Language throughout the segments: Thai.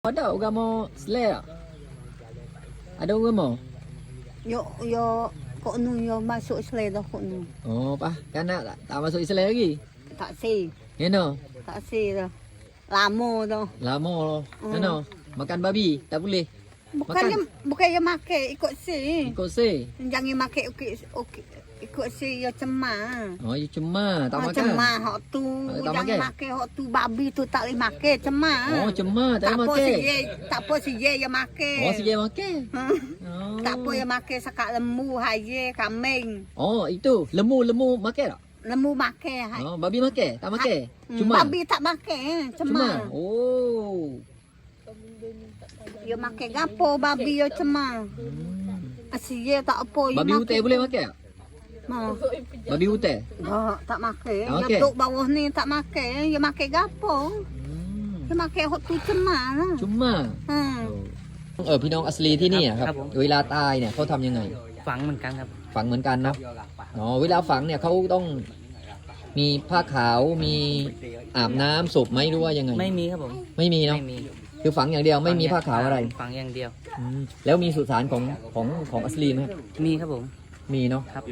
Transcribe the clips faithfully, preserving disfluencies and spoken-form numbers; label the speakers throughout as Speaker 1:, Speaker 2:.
Speaker 1: Ada orang mau selera. Ada orang mau?
Speaker 2: Yo yo kok nu yo masuk Islam dah kok nu.
Speaker 1: Oh, pak, kan tak, tak masuk Islam lagi.
Speaker 2: Tak si,
Speaker 1: Ya no.
Speaker 2: tak si dah. Lama dah.
Speaker 1: Lama loh. Ya
Speaker 2: Hmm.
Speaker 1: no. Makan babi tak boleh.
Speaker 2: Bukannya bukannya makan ikut si.
Speaker 1: Ikut se.
Speaker 2: Jangan makan okey okey ikut si yo cemah.
Speaker 1: Oh, ya cuma tak
Speaker 2: Ah,
Speaker 1: makan.
Speaker 2: cemah hok tu.
Speaker 1: Tak
Speaker 2: Jangan
Speaker 1: makan?
Speaker 2: makan hok tu babi tu tak boleh makan cemah.
Speaker 1: Oh, cuma tak
Speaker 2: tak
Speaker 1: boleh
Speaker 2: apa si
Speaker 1: makan.
Speaker 2: ye, tak apa si ye yang makan.
Speaker 1: Oh, si dia makan.
Speaker 2: Hmm.
Speaker 1: Oh.
Speaker 2: Tak apa yang makan sekak lembu, haye, kambing.
Speaker 1: Oh, itu lembu-lembu makan tak?
Speaker 2: Lembu makan. hai.
Speaker 1: Oh, babi makan? Tak makan?
Speaker 2: Hmm,
Speaker 1: Cuma.
Speaker 2: Babi tak makan,
Speaker 1: Cuma.
Speaker 2: cemah.
Speaker 1: Oh.
Speaker 2: Yo makan gapo babi yo cemah.
Speaker 1: Hmm.
Speaker 2: Asyik tak apa yo
Speaker 1: Babi hutan boleh makan tak?
Speaker 2: Ma.
Speaker 1: Babi hutan?
Speaker 2: Tak, tak makan.
Speaker 1: Tak
Speaker 2: Yo
Speaker 1: makan?
Speaker 2: duduk bawah ni tak makan. Yo makan gapo?
Speaker 1: Hmm.
Speaker 2: Yo makan hot tu cemah lah.
Speaker 1: Cuma.
Speaker 2: Hmm.
Speaker 1: เออพี่น้องอัสลีที่นี่อะครับ
Speaker 3: ครับผม
Speaker 1: เวลาตายเนี่ยเขาทำยังไง
Speaker 3: ฝังเหมือนกันครับ
Speaker 1: ฝังเหมือนกันเนาะอ๋อเวลาฝังเนี่ยเขาต้องมีผ้าขาวมีอาบน้ำศพไหมหรือว่ายังไง
Speaker 3: ไม่มีครับผม
Speaker 1: ไม่มีเนาะ
Speaker 3: ไม่มี
Speaker 1: คือฝังอย่างเดียวไม่มีผ้าขาวอะไร
Speaker 3: ฝังอย่างเดียว
Speaker 1: อืมแล้วมีสุสานของของของอัสลีไหมครับ
Speaker 3: มีครับผม
Speaker 1: มีเนาะ
Speaker 3: ครับ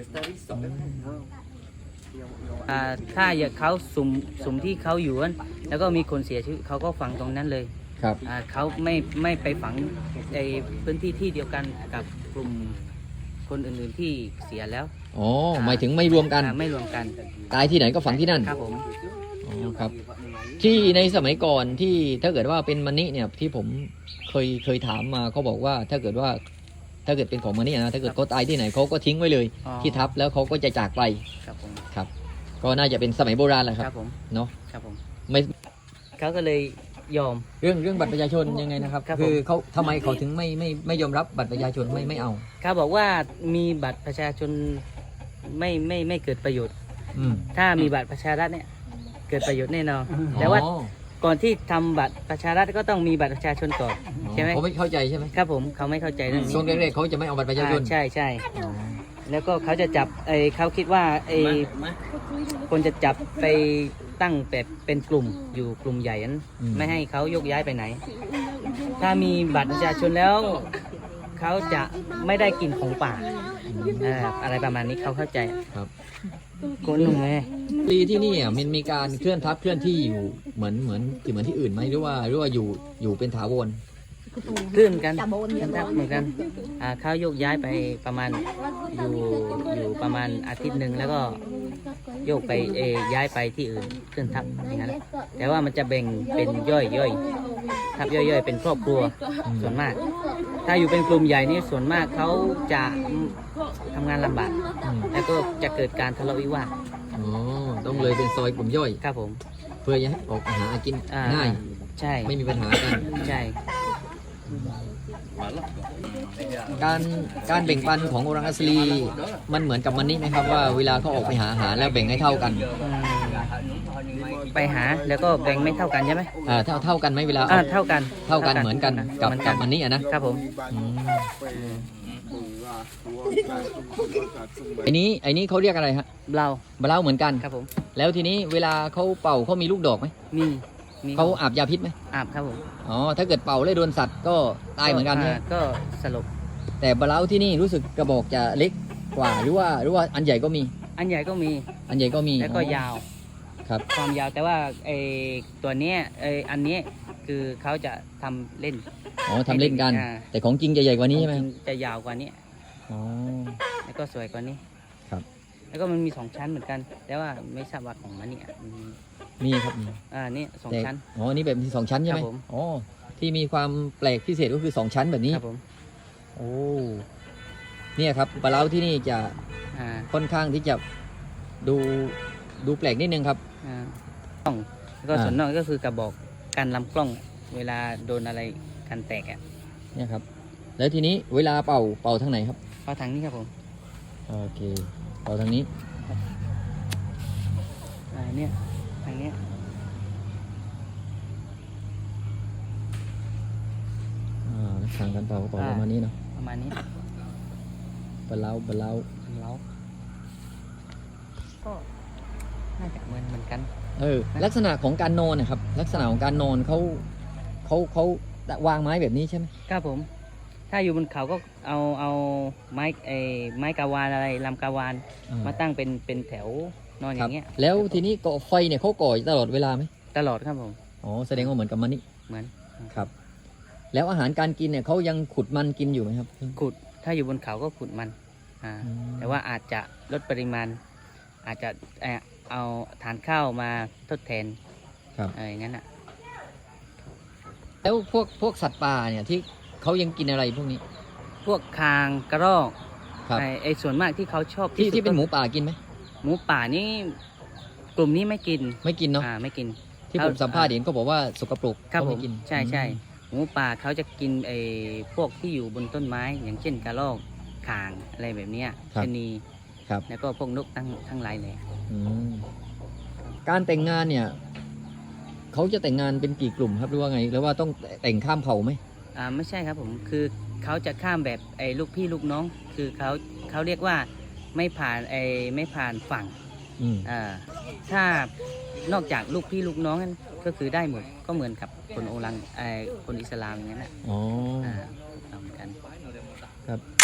Speaker 3: อ่าถ้าอยากเขาสุ่มสุ่มที่เขาอยู่นั้นแล้วก็มีคนเสียชีวิตเขาก็ฝังตรงนั้นเลย
Speaker 1: ครับ
Speaker 3: อ่าเขาไม่ไม่ไปฝังในพื้นที่ที่เดียวกันกับกลุ่มคนอื่นๆที่เสียแล้ว
Speaker 1: อ๋อหมายถึงไม่รวมกัน
Speaker 3: อ่าไม่รวมกัน
Speaker 1: ตายที่ไหนก็ฝังที่นั่น
Speaker 3: ครับผม
Speaker 1: อ๋อครับ ที่ในสมัยก่อนที่ถ้าเกิดว่าเป็นมณีเนี่ยที่ผมเคยเคยถามมาเขาบอกว่าถ้าเกิดว่าถ้าเกิดเป็นของมณีนะถ้าเกิดเขาตายที่ไหนเขาก็ทิ้งไว้เลย
Speaker 3: อ๋อ
Speaker 1: ที่ทับแล้วเขาก็จะจากไป
Speaker 3: ครับผม
Speaker 1: ครับ ก็น่าจะเป็นสมัยโบราณแหละค
Speaker 3: ค
Speaker 1: รั
Speaker 3: รั
Speaker 1: บบ
Speaker 3: ผม
Speaker 1: เนาะ
Speaker 3: ครับผม
Speaker 1: ไม่
Speaker 3: เขาก็เลยยอม
Speaker 1: เรื่องเรื่องบัตรประชาชนยังไงนะครับ
Speaker 3: ครับผม
Speaker 1: คือเขาทำไมเขาถึงไม่ไม่ไม่ยอมรับบัตรประชาชนไม่ไม่เอา
Speaker 3: เขาบอกว่ามีบัตรประชาชนไม่ไม่ไม่เกิดประโยชน์
Speaker 1: อืม
Speaker 3: ถ้ามีบัตรประชารัฐเนี่ยเกิดประโยชน์แน่นอนแต่ว่า
Speaker 1: อ๋อ
Speaker 3: ก่อนที่ทำบัตรประชารัฐก็ต้องมีบัตรประชาชนก่อน ใช่ไหม
Speaker 1: เขาไม่เข้าใจใช่ไหม
Speaker 3: ครับผมเขาไม่เข้าใจเรื่องนี้
Speaker 1: ช่วงแรกๆเขาจะไม่เอาบัตรประชาชน
Speaker 3: อ่าใช่ใช่
Speaker 1: อ๋อ
Speaker 3: แล้วก็เขาจะจับไอ้เขาคิดว่าไอ้คนจะจับไปตั้งแบบเป็นกลุ่มอยู่กลุ่มใหญ่นั้นไม่ให้เขายกย้ายไปไหน ถ้ามีบัตรประชาชนแล้วเขาจะไม่ได้กินของป่าอ่าอะไรประมาณนี้เขาเข้าใจ
Speaker 1: ครับ
Speaker 3: คนหนุ่มไง
Speaker 1: ปีที่นี่อ่ะมันมีการเคลื่อนทัพเคลื่อนที่อยู่เหมือนเหมือนเหมือนที่อื่นไหมหรือว่าหรือว่าอยู่อยู่เป็นถาวร
Speaker 3: ขึ้นกันครับเหมือนกันอ่าเขาโยกย้ายไปประมาณอยู่อยู่ประมาณอาทิตย์หนึ่งแล้วก็โยกไปเออย้ายไปที่อื่นขึ้นทับอย่างนั้นแหละแต่ว่ามันจะแบ่งเป็นย่อยย่อยทับย่อยย่อยเป็นครอบครัวส่วนมาก ถ้าอยู่เป็นกลุ่มใหญ่นี่ส่วนมากเขาจะทำงานลำบาก
Speaker 1: อืม
Speaker 3: แล้วก็จะเกิดการทะเลาะวิวาท
Speaker 1: อ๋อต้องเลยเป็นซอยกลุ่มย่อย
Speaker 3: ครับผม
Speaker 1: เพื่อจะให้ออกหากิน
Speaker 3: อ่า
Speaker 1: ง่าย
Speaker 3: ใช่
Speaker 1: ไม่มีปัญหากัน
Speaker 3: ใช่
Speaker 1: การการแบ่งปันของโอรังอัสลีมันเหมือนกับมันนี่ไหมครับว่าเวลาเขาออกไปหาอาหารแล้วแบ่งให้เท่ากัน
Speaker 3: อืมไปหาแล้วก็แบ่งไม่เท่ากันใช่ไหม
Speaker 1: อ่าเท่าเท่ากันไหมเวลา
Speaker 3: อ่า
Speaker 1: เอา
Speaker 3: เท่ากัน
Speaker 1: เท่ากันเหมือนกันกับ
Speaker 3: เหมือน
Speaker 1: กับมันนี่อะนะครับ
Speaker 3: ผม
Speaker 1: อืมไอ้นี้ไอ้นี้เขาเรียกอะไรฮะ
Speaker 3: เรา
Speaker 1: บะเล่าเหมือนกัน
Speaker 3: ครับผม
Speaker 1: แล้วทีนี้เวลาเขาเป่าเขามีลูกดอกไหม
Speaker 3: มีมี
Speaker 1: เขาอาบยาพิษไหม
Speaker 3: อาบครับผม
Speaker 1: อ๋อถ้าเกิดเป่าแล้วโดนสัตว์ก็ตายเหมือนกันใช่ไหม
Speaker 3: าก็สลบ
Speaker 1: แต่บะเล่าที่นี่รู้สึกกระบอกจะเล็กกว่าหรือว่าหรือว่าอันใหญ่ก็มี
Speaker 3: อันใหญ่ก็มี
Speaker 1: อันใหญ่ก็มี
Speaker 3: แล้วก็
Speaker 1: อ๋อย
Speaker 3: าว
Speaker 1: ครับ
Speaker 3: ความยาวแต่ว่าไอตัวเนี้ยไออันเนี้ยคือเขาจะทำเล่น
Speaker 1: อ๋อทำเล่นกัน
Speaker 3: อ่า
Speaker 1: แต่ของจริงจะใหญ่กว่านี้ใช่ไหม
Speaker 3: ของจริงจะยาวกว่านี้
Speaker 1: อ๋อ
Speaker 3: แล้วก็สวยกว่านี้
Speaker 1: ครับ
Speaker 3: แล้วก็มันมีสองชั้นเหมือนกัน แต่ว่าไม่ทราบว่าของมันเนี่ยมี
Speaker 1: มีครับมี
Speaker 3: อ่านี่สอง
Speaker 1: แต่
Speaker 3: ชั้น
Speaker 1: อ๋อนี่แบบมีสองชั้นใช่ไหม
Speaker 3: ครับผม
Speaker 1: อ๋อที่มีความแปลกพิเศษก็คือสองชั้นแบบนี้
Speaker 3: ครับผม
Speaker 1: โอ้เนี่ยครับปลาเล้าที่นี่จะ
Speaker 3: อ่า
Speaker 1: ค่อนข้างที่จะดูดูแปลกนิดนึงครับ
Speaker 3: อ่ากล้องแล้วก็
Speaker 1: อ่า
Speaker 3: ส่วนนอกก็คือกระบอกการลำกล้อง เวลาโดนอะไรกันแตกอ่ะ
Speaker 1: เนี่ยครับแล้วทีนี้เวลาเป่าเป่าทางไหนครับ
Speaker 3: เข้าทางนี้ครับผม
Speaker 1: โอเคเป่าทางนี้
Speaker 3: อ่าเนี่ยทางเนี้ย
Speaker 1: อ่าทางการเป่าก็เป่าประมาณนี้เนาะ
Speaker 3: ประมาณนี้
Speaker 1: ปลาเล้าปลาเล้า
Speaker 3: แล้วก็น่าจะเหมือนเหมือนกัน
Speaker 1: เออลักษณะของการนอนนะครับ ลักษณะของการนอนเขาเขาเขาวางไม้แบบนี้ใช่ไหม
Speaker 3: ครับผม ถ้าอยู่บนเขาก็เอาเอาไม้ไอ้ไม้กาวานอะไรลำกาวาน
Speaker 1: อ่า
Speaker 3: มาตั้งเป็นเป็นแถวนอนอ
Speaker 1: ครั
Speaker 3: ย่า
Speaker 1: บ
Speaker 3: งเงี้ย
Speaker 1: แล้วทีนี้ก่อไฟเนี่ยเขาก่อตลอดเวลาไหม
Speaker 3: ตลอดครับผม
Speaker 1: อ๋อแสดงว่าเหมือนกับมันนี่
Speaker 3: เหมือน
Speaker 1: ครับ แล้วอาหารการกินเนี่ยเขายังขุดมันกินอยู่ไหมครับ
Speaker 3: ขุดถ้าอยู่บนเขาก็ขุดมันอ่า
Speaker 1: อืม
Speaker 3: แต่ว่าอาจจะลดปริมาณ อาจจะเอ่อเอาทานข้าวมาทดแทน
Speaker 1: ครับ
Speaker 3: อะไรอย่างนั้นอ่ะ
Speaker 1: แล้วพวกพวกสัตว์ป่าเนี่ยที่เขายังกินอะไรพวกนี้
Speaker 3: พวกคางกระรอก
Speaker 1: ครับ
Speaker 3: ไอ้ไอ้ส่วนมากที่เขาชอบ
Speaker 1: ที่
Speaker 3: สุด
Speaker 1: ที่เป็น
Speaker 3: ก็
Speaker 1: หมูป่ากินไหม
Speaker 3: หมูป่านี่กลุ่มนี้ไม่กิน
Speaker 1: ไม่กินเนาะ
Speaker 3: อ่าไม่กิน
Speaker 1: ที่
Speaker 3: เขา
Speaker 1: ผมสัมภาษณ์เห็นก็บอกว่าสกปรก
Speaker 3: ครับ
Speaker 1: เขา
Speaker 3: ผ
Speaker 1: ไม่
Speaker 3: ม
Speaker 1: กิน
Speaker 3: ใช่ใช่
Speaker 1: อืม
Speaker 3: หมูป่าเขาจะกินไอ้พวกที่อยู่บนต้นไม้ อย่างเช่นกระรอกข่างอะไรแบบเนี้ยชะนี
Speaker 1: ครับ
Speaker 3: แล้วก็พวกนกทั้งทั้งหลายเลย
Speaker 1: อืมการแต่งงานเนี่ยเขาจะแต่งงานเป็นกี่กลุ่มครับหรือว่าไงหรือว่าต้องแต่งข้ามเผ่าไหม
Speaker 3: อ่าไม่ใช่ครับผมคือเขาจะข้ามแบบไอ้ลูกพี่ลูกน้อง คือเขาเขาเรียกว่าไม่ผ่านไอ้ไม่ผ่านฝั่ง
Speaker 1: อืม
Speaker 3: อ่าถ้านอกจากลูกพี่ลูกน้องนั้นก็คือได้หมดก็เหมือนกับคนโอรังไอ้คนอิสลามอย่างนั้นแหละ
Speaker 1: อ๋อ
Speaker 3: อ่าถูกต้องเหมือนกัน
Speaker 1: ครับ